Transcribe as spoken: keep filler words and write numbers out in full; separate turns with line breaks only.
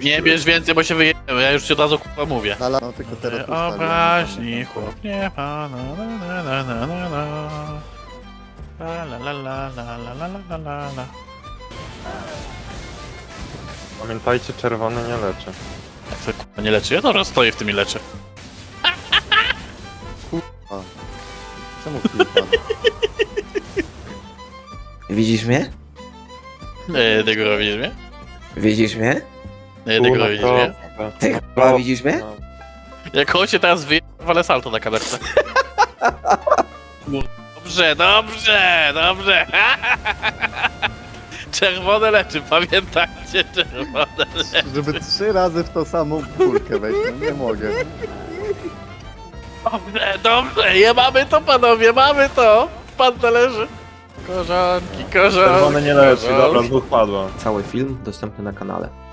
Nie bierz więcej, bo się wyjedziemy, ja już ci od razu kurwa mówię.
Na la... No tylko teraz postawię.
Obraźni chłop nie ma, na na na na na na. La la la la la la la la la la.
Pamiętajcie, czerwony nie leczy.
Jak to kurwa nie leczy? Ja to stoję w tym i leczę.
Czemu klipam?
Widzisz mnie?
Nie, tego robisz mnie?
Widzisz mnie?
Nie, tego robisz mnie?
Ty chyba widzisz mnie?
No.
Jak on się teraz wyje, walę salto na kamerce. Dobrze, dobrze, dobrze. Czerwone leczy, pamiętajcie, czerwone leczy.
Żeby trzy razy w tą samą kulkę wejść, no nie mogę.
Dobrze, dobrze, je mamy to panowie, mamy to. Pan leży. Korzonki, korzonki.
Czerwony nie leczy,
korzonki.
dobra, dwóch padło.
Cały film dostępny na kanale.